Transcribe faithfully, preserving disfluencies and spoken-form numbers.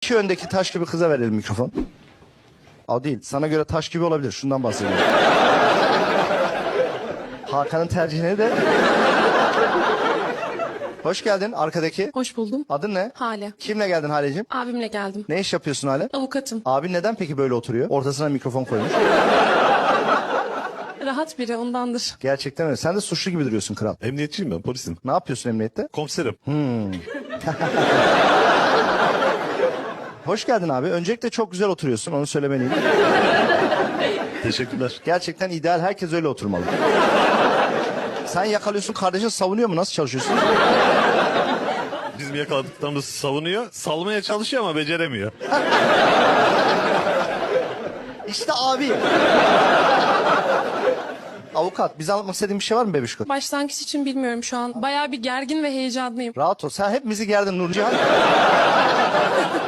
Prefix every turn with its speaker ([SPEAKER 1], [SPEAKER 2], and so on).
[SPEAKER 1] İki öndeki taş gibi kıza verelim mikrofon. O değil. Sana göre taş gibi olabilir. Şundan bahsediyorum. Hakan'ın tercihini de... Hoş geldin arkadaki.
[SPEAKER 2] Hoş buldum.
[SPEAKER 1] Adın ne?
[SPEAKER 2] Hale.
[SPEAKER 1] Kimle geldin Haleciğim?
[SPEAKER 2] Abimle geldim.
[SPEAKER 1] Ne iş yapıyorsun Hale?
[SPEAKER 2] Avukatım.
[SPEAKER 1] Abin neden peki böyle oturuyor? Ortasına mikrofon koymuş.
[SPEAKER 2] Rahat biri ondandır.
[SPEAKER 1] Gerçekten öyle. Sen de suçlu gibi duruyorsun kral.
[SPEAKER 3] Emniyetçiyim ben, polisim.
[SPEAKER 1] Ne yapıyorsun emniyette?
[SPEAKER 3] Komiserim.
[SPEAKER 1] Hoş geldin abi. Öncelikle çok güzel oturuyorsun. Onu söylemeliyim.
[SPEAKER 3] Teşekkürler.
[SPEAKER 1] Gerçekten ideal. Herkes öyle oturmalı. Sen yakalıyorsun, kardeşin savunuyor mu? Nasıl çalışıyorsun?
[SPEAKER 3] Bizim yakaladıklarımızı savunuyor. Salmaya çalışıyor ama beceremiyor.
[SPEAKER 1] İşte abi. Avukat, bize anlatmak istediğin bir şey var mı bebişko?
[SPEAKER 2] Başlangıç için bilmiyorum şu an. Bayağı bir gergin ve heyecanlıyım.
[SPEAKER 1] Rahat ol. Sen hepimizi gerdin Nurcihan.